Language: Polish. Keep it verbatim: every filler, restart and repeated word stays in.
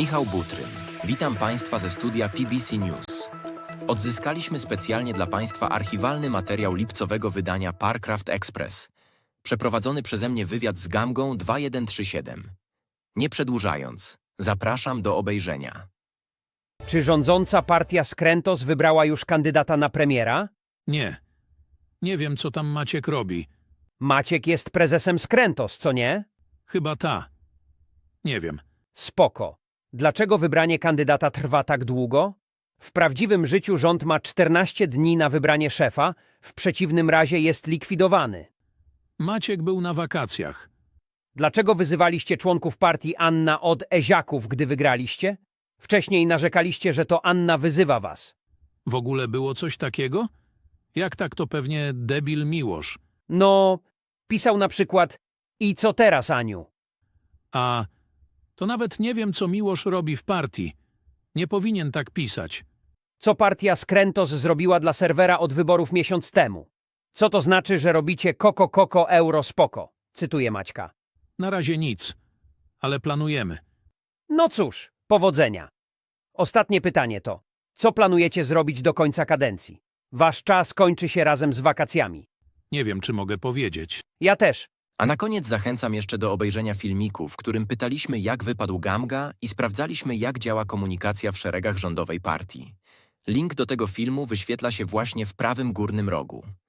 Michał Butrym. Witam Państwa ze studia P B C News. Odzyskaliśmy specjalnie dla Państwa archiwalny materiał lipcowego wydania Parcraft Express. Przeprowadzony przeze mnie wywiad z Gamgą dwa jeden trzy siedem. Nie przedłużając, zapraszam do obejrzenia. Czy rządząca partia Skrętos wybrała już kandydata na premiera? Nie. Nie wiem, co tam Maciek robi. Maciek jest prezesem Skrętos, co nie? Chyba ta. Nie wiem. Spoko. Dlaczego wybranie kandydata trwa tak długo? W prawdziwym życiu rząd ma czternaście dni na wybranie szefa, w przeciwnym razie jest likwidowany. Maciek był na wakacjach. Dlaczego wyzywaliście członków partii Anna od Eziaków, gdy wygraliście? Wcześniej narzekaliście, że to Anna wyzywa was. W ogóle było coś takiego? Jak tak, to pewnie debil Miłosz. No, pisał na przykład: i co teraz, Aniu? A to nawet nie wiem, co Miłosz robi w partii. Nie powinien tak pisać. Co partia Skrętos zrobiła dla serwera od wyborów miesiąc temu? Co to znaczy, że robicie koko koko euro spoko? Cytuję Maćka. Na razie nic, ale planujemy. No cóż, powodzenia. Ostatnie pytanie to: co planujecie zrobić do końca kadencji? Wasz czas kończy się razem z wakacjami. Nie wiem, czy mogę powiedzieć. Ja też. A na koniec zachęcam jeszcze do obejrzenia filmiku, w którym pytaliśmy, jak wypadł Gamga i sprawdzaliśmy, jak działa komunikacja w szeregach rządowej partii. Link do tego filmu wyświetla się właśnie w prawym górnym rogu.